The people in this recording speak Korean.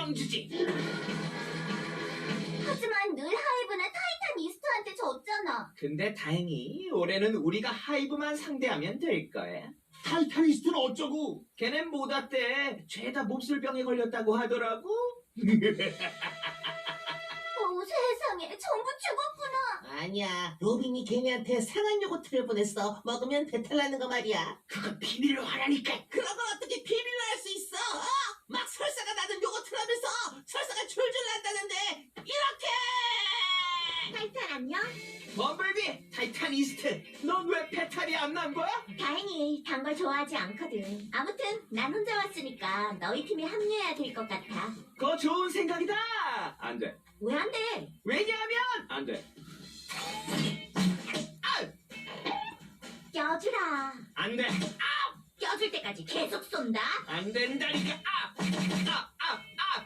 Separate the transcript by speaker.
Speaker 1: 뻥주지.
Speaker 2: 하지만 늘 하이브는 타이탄 이스트한테 졌잖아.
Speaker 1: 근데 다행히 올해는 우리가 하이브만 상대하면 될 거야.
Speaker 3: 타이타니스트는 어쩌고?
Speaker 1: 걔넨 못 왔대. 죄다 몹쓸병에 걸렸다고 하더라고.
Speaker 2: 세상에 전부 죽었구나.
Speaker 4: 아니야, 로빈이 걔네한테 상한 요거트를 보냈어. 먹으면 배탈 나는 거 말이야.
Speaker 1: 그거 비밀로 하라니까.
Speaker 4: 그런 걸 어떻게 비밀로 할 수 있어? 막 설사가 나는 요거트라면서 설사가 줄줄 난다는데 이렇게!
Speaker 2: 타이탄 안녕?
Speaker 1: 범블비, 타이타니스트. 넌 왜 배탈이 안 난 거야?
Speaker 2: 다행히 단 걸 좋아하지 않거든. 아무튼 난 혼자 왔으니까 너희 팀에 합류해야 될 것 같아.
Speaker 1: 그거 좋은 생각이다. 안 돼.
Speaker 2: 왜 안 돼?
Speaker 1: 왜냐하면 안 돼. 아,
Speaker 2: 껴주라.
Speaker 1: 안 돼.
Speaker 2: 껴줄 때까지 계속 쏜다.
Speaker 1: 안 된다니까. 아,